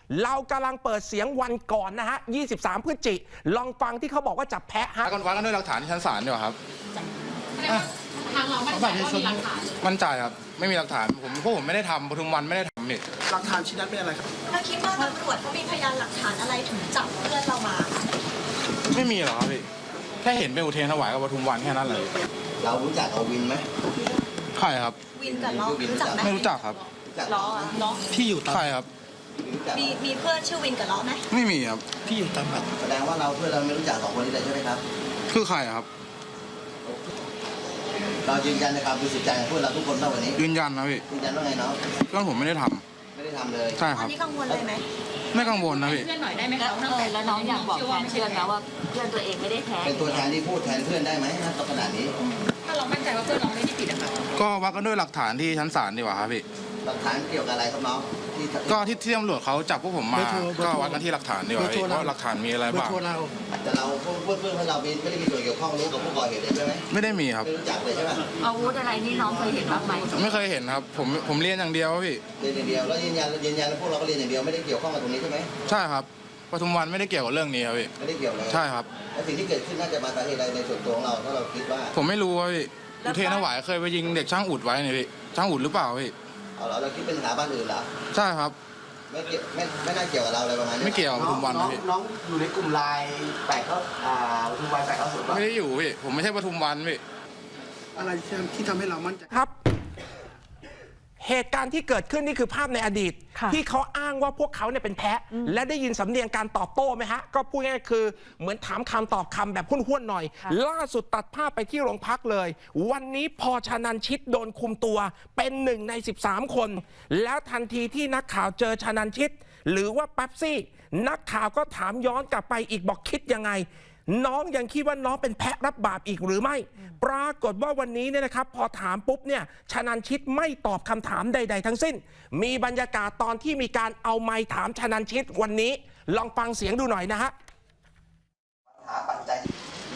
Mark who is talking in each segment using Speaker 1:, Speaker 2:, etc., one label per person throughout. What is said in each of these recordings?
Speaker 1: เรากำลังเปิดเสียงวันก่อนนะฮะ23 พฤศจิกลองฟังที่เขาบอกว่าจับแพะฮะ
Speaker 2: วัดกันด้วยหลักฐานที่ชั้นศาลดีกว่าครับ
Speaker 3: ทางเรามั่นใจว่ามีหลักฐาน
Speaker 2: มั่นใจครับไม่มีหลักฐานผมไม่ได้ทำปทุมวันไม่ได้ทำนี่
Speaker 4: หลักฐานชิ้นนั้นเป็นอะไรครับ
Speaker 5: ถ้าคิดว่าตำรวจเขามีพยานหลักฐานอะไรถึงจับเพื่อนเรามา
Speaker 2: ไม่มีหรอกครับพี่แค่เห็นเป็นอุเทรนถวายกับปทุมวันแค่นั้นเลย
Speaker 4: เรารู้จักเอาวินไหม
Speaker 2: ใช่ครับ
Speaker 5: วินกับเรารู้จักไหม
Speaker 2: ไม่รู้จักครับ
Speaker 5: ล้อล้อ
Speaker 4: พี่อยู่ตาม
Speaker 2: ใช่ครับ
Speaker 5: มีเพื่อนชื่อวินกับล้อไหม
Speaker 2: ไม่มีครับ
Speaker 4: พี่อยู่ตามแบบแสดงว่าเราเพื่อนเราไม่รู้จัก2 คนนี้เลยใช่ไหมครับ
Speaker 2: คือใครครับ
Speaker 4: เรายืนยันในความบริสุทธิ์ใจของเพื่อนเราทุกคนเท่าวันนี้
Speaker 2: ยืนยันนะพี่
Speaker 4: ยืนยันว่าไงเนาะ
Speaker 2: เพื่อนผมไม่ได้ท
Speaker 4: ำเลย
Speaker 2: ใช่ครับ
Speaker 5: อันนี้กังวลเลยไหม
Speaker 2: ไม่กังวลนะพี่
Speaker 3: เพื่อนหน่อยได้ไหมคะ
Speaker 6: แล้วน้องอยากบอกแทนเพื่อนนะว่าเพื่อนตัวเองไม่ได้แท้
Speaker 4: เป็นตัวแทนที่พูดแทนเพื่อนได้ไหมณขณะนี้
Speaker 3: ถ้าเรามั่นใจว่าเพื่อนเราไม่ได้ผิดนะคะ
Speaker 2: ก็วัดกันด้วยหลักฐานที่ชั้นศาลดีกว่าครับพี่
Speaker 4: หลักฐานเกี่ยวกับอะไรครับน้อง
Speaker 2: ก็ที่ตำรวจเขาจับพวกผมมาก็วัดกันที่หลักฐานดีกว่าว่าหลักฐานมีอะไรบ้าง
Speaker 4: แต่เราเพื่อนเราไม่ได้มีส่วนเกี่ยวข้องรู้กับผู้ก่อเหตุใช่ไหม
Speaker 2: ไม่ได้มีครับ
Speaker 4: ไม่รู้จักเลยใช่ไหม
Speaker 6: อาวุธอะไรนี่น้องเคยเห็นบ้างไหม
Speaker 2: ไม่เคยเห็นครับผมเรียนอย่างเดียวพี่
Speaker 4: เรียนอย่างเดียวแล้วยืนยันแล้วพวกเราก็เรียนอย่างเดียวไม่ได้เกี่ยวข้องกับตรงนี้ใช่ไหม
Speaker 2: ใช่ครับปทุมวันไม่ได้เกี่ยวกับเรื่องนี้ครับพี่
Speaker 4: ไม่ได้เกี่ยวเลย
Speaker 2: ใช่ครับ
Speaker 4: แล้วสิ่งที่เกิดขึ้นน่าจะมาสาเหตุอะไรในส่วนตัวของเราถ้าเราคิดว่า
Speaker 2: ผมไม่รู้ครับพี่อุเทรนถวายเคยไปยิงเด็กช่างอุดไว้เนี่ยพี่ช่างอุดหรือเปล่าพี่
Speaker 4: เราคิดเป็นสถาบันอื่นเหรอ
Speaker 2: ใช่ครับ
Speaker 4: ไม่น่าเกี่ยวกับเราอะไรประมาณนี้
Speaker 2: ไม่เกี่ยวกับปทุมวันนะพี่
Speaker 4: น้องอยู่ในกลุ่มไลน์8ปทุมวัน890
Speaker 2: ไม่ได้อยู่พี่ผมไม่ใช่ปทุมวันพี่
Speaker 4: อะไรที่ทำให้เรามั่นใจ
Speaker 1: ครับเหตุการณ์ที่เกิดขึ้นนี่คือภาพในอดีตที่เขาอ้างว่าพวกเขาเนี่ยเป็นแพะและได้ยินสำเนียงการตอบโต้ไหมฮะก็พูดง่ายๆคือเหมือนถามคำตอบคำแบบห้วนๆหน่อยล่าสุดตัดภาพไปที่โรงพักเลยวันนี้พอชนันชิตโดนคุมตัวเป็น1 ใน 13 คนแล้วทันทีที่นักข่าวเจอชนันชิตหรือว่าแป๊บซี่นักข่าวก็ถามย้อนกลับไปอีกบอกคิดยังไงน้องยังคิดว่าน้องเป็นแพะรับบาปอีกหรือไม่ปรากฏว่าวันนี้เนี่ยนะครับพอถามปุ๊บเนี่ยชนันชิตไม่ตอบคำถามใดๆทั้งสิ้นมีบรรยากาศตอนที่มีการเอาไมค์ถามชนันชิตวันนี้ลองฟังเสียงดูหน่อยนะฮะ
Speaker 4: หาปัจจัย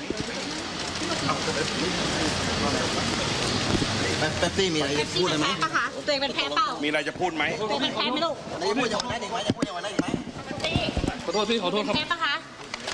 Speaker 4: แป๊บซี่มีอะไรจะพูดไหม
Speaker 5: ตัวเองเป็นแพะเปล่า
Speaker 7: มีอะไรจะพูดไหม
Speaker 5: ตัวเองเป็นแพะไหมลูก
Speaker 4: จะพูดอย่างนั้นอีกไหมจะพูดอย่างนั้นอีกไหม
Speaker 7: ขอโทษพี่ขอโทษครับ
Speaker 5: แพะปะคะ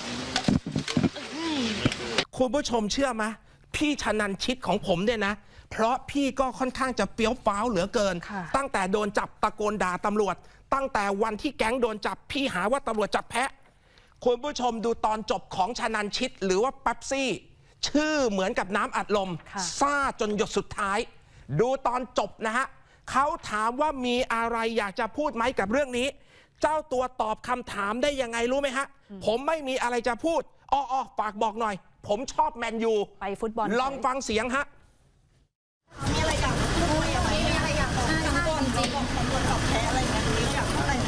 Speaker 1: คุณผู้ชมเชื่อไหมพี่ชนันชิตของผมเนี่ยนะเพราะพี่ก็ค่อนข้างจะเฟี้ยวฟ้าวเหลือเกินตั้งแต่โดนจับตะโกนด่าตำรวจตั้งแต่วันที่แก๊งโดนจับพี่หาว่าตำรวจจับแพะคุณผู้ชมดูตอนจบของชนันชิตหรือว่าแป๊บซี่ชื่อเหมือนกับน้ำอัดลมซ่าจนหยดสุดท้ายดูตอนจบนะฮะเขาถามว่ามีอะไรอยากจะพูดไหมกับเรื่องนี้เจ้าตัวตอบคำถามได้ยังไงรู้ไหมฮะผมไม่มีอะไรจะพูดฝากบอกหน่อยผมชอบแมนยู
Speaker 6: ไปฟุตบอล
Speaker 1: ลองฟังเสียงฮะ
Speaker 5: มีอะไรอยากพูดไหมมีอะไรอยากบอกทางก่อนจริงของตำรวจจับแพะอะไรอย่างเงี้ยอยากพูดอะไร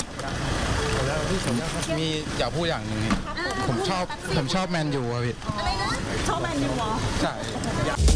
Speaker 2: มีอยากพูดอย่างหนึ่งผมชอบแมนยูครับพี่
Speaker 5: อะไรนะชอบแมนยูเหรอ
Speaker 2: ใช่